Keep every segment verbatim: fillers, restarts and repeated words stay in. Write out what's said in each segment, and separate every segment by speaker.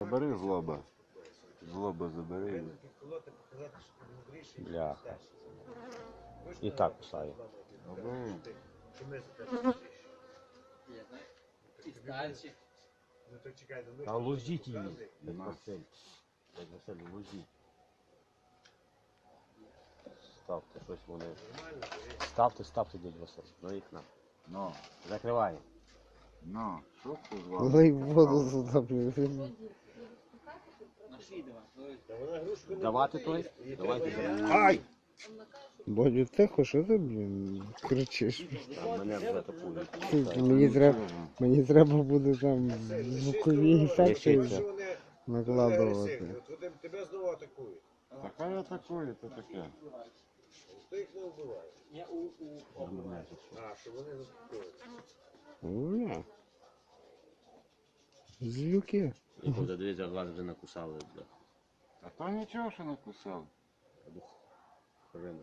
Speaker 1: Забери злоба. Злоба забери.
Speaker 2: Бляха. І так кусаю. А лузіть її, як Василь. Як Василь, лузіть. Ставте щось вони. Ставте, ставте, дядь Василь. Ну їх на.
Speaker 1: Ну,
Speaker 2: Закривай.
Speaker 1: ну, що це з вами?
Speaker 3: Лей воду сюди, блін.
Speaker 2: Давати той? Давайте зараз.
Speaker 1: Ай!
Speaker 3: Бодю, тихо, що ти, блін, кричиш?
Speaker 2: Там мене вже атакують.
Speaker 3: Ти, Мені треба, мені треба буде там звукові ефекти
Speaker 2: Лишиться.
Speaker 3: накладувати.
Speaker 4: Тебе знову атакують.
Speaker 1: Така атакує, то таке.
Speaker 4: Хто їх не вбиває? А, що вони заспокоюють.
Speaker 3: Уля. Злюки.
Speaker 2: І буде дивіться, вас вже накусали.
Speaker 1: А то нічого, що накусав.
Speaker 2: Хрена.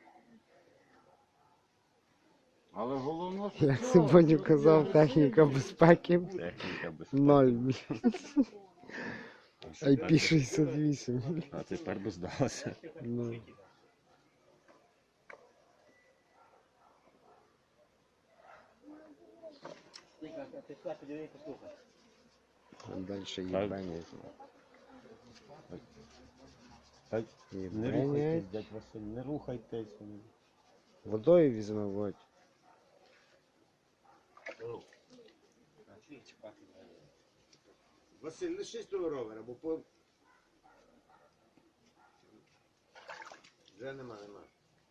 Speaker 1: Але головне, що...
Speaker 3: Як це Бодю казав, техніка безпеки
Speaker 2: Техніка безпеки.
Speaker 3: ноль, блін. ай пі шістдесят вісім.
Speaker 2: А тепер би здалося.
Speaker 3: Ну. Там дальше їбання.
Speaker 2: Так, не
Speaker 3: Їбання.
Speaker 2: рухайтесь, дядь Василь, не рухайтесь.
Speaker 3: Водою візьме, Бодь.
Speaker 4: Василь, лишись того ровера, бо по... Вже нема, нема.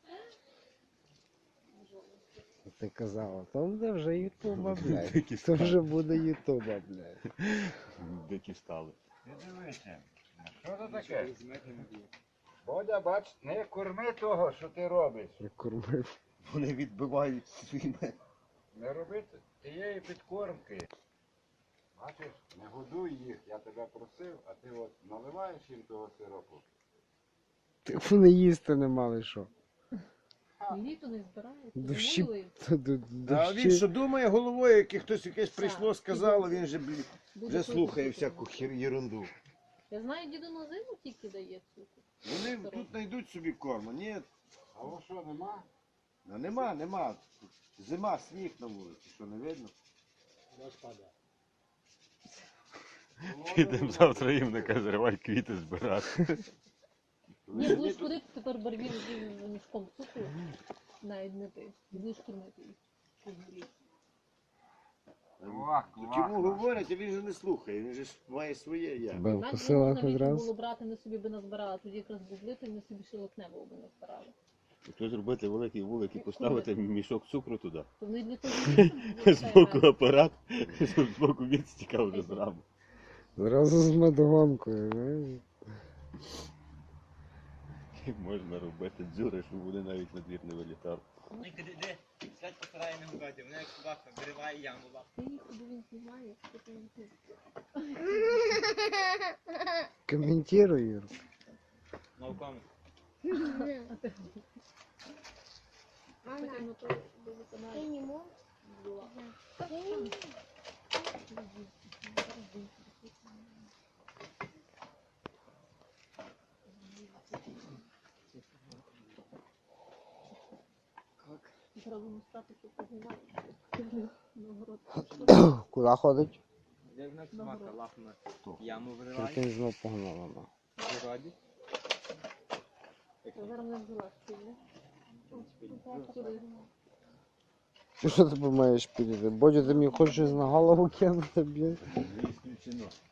Speaker 3: Ти казала, то буде вже ютуба, блядь. То вже буде ютуба, блядь.
Speaker 2: Дикі стали.
Speaker 1: Ти дивися, що це таке? Бодя, бач, не корми того, що ти робиш.
Speaker 3: Я кормив.
Speaker 2: Вони відбивають своїми.
Speaker 1: Не робити тієї підкормки. Бачиш, не годуй їх, я тебе просив, а ти от наливаєш їм того сиропу.
Speaker 3: Ти вони їсти не мали що.
Speaker 5: Літо не збирається,
Speaker 3: Дощі.
Speaker 5: замовили,
Speaker 3: Т- д-
Speaker 4: А він
Speaker 3: Дощі.
Speaker 4: що думає головою, як хтось якесь прийшло, сказало, він же, блін,
Speaker 5: буде
Speaker 4: вже
Speaker 5: просто
Speaker 4: слухає
Speaker 5: цукор.
Speaker 4: всяку хір єрунду.
Speaker 5: Я знаю, діду на зиму тільки дає цукор.
Speaker 4: Вони тут знайдуть собі корму. Ні,
Speaker 1: А ось що, нема?
Speaker 4: ну, нема, нема. Зима, сніг на вулиці, що не видно?
Speaker 2: Підемо завтра їм не каже, зривай квіти збирати.
Speaker 5: Ні, будеш ходити тепер барвір з мішком цукру, навіть не ти. І будеш кормити їх. щоб гріти.
Speaker 1: Квак,
Speaker 4: Чому говорять, а він же не слухає, він же ж має своє я.
Speaker 3: Тебе
Speaker 5: Навіть
Speaker 3: вкусила
Speaker 5: можна
Speaker 3: хоч
Speaker 5: вічно
Speaker 3: раз.
Speaker 5: було брати, ми собі би назбирали, тоді якраз бублити, ми собі шилокнево би назбирали.
Speaker 2: Якщо зробити великий вулик і поставити мішок цукру туди.
Speaker 5: То вони для того
Speaker 2: З боку апарат, з боку відстіка вже зразу.
Speaker 3: Зразу з медогонкою, знаєш.
Speaker 2: Як можна робити дзюри, щоб вони навіть на двір не вилітали.
Speaker 6: Ну і де, де, сядь постарає не гукати, вона як собака вириває яму лапу.
Speaker 5: Ти їх куди він знімає, що ти не ти.
Speaker 3: Коментируй, Юр.
Speaker 6: Науками.
Speaker 5: А ти потім на той до виконання була. Зразу не стати, що познімати. Нагород.
Speaker 3: Куди ходить?
Speaker 6: Як на собака лапна яму
Speaker 3: Тільки
Speaker 6: вириває.
Speaker 3: знов погнала. на.
Speaker 6: В городі.
Speaker 5: Я зараз не взяла спільне.
Speaker 3: Ти що ти маєш підійти? Бодю, ти мені хочеш на голову кинути, блін?
Speaker 2: Не ісключено.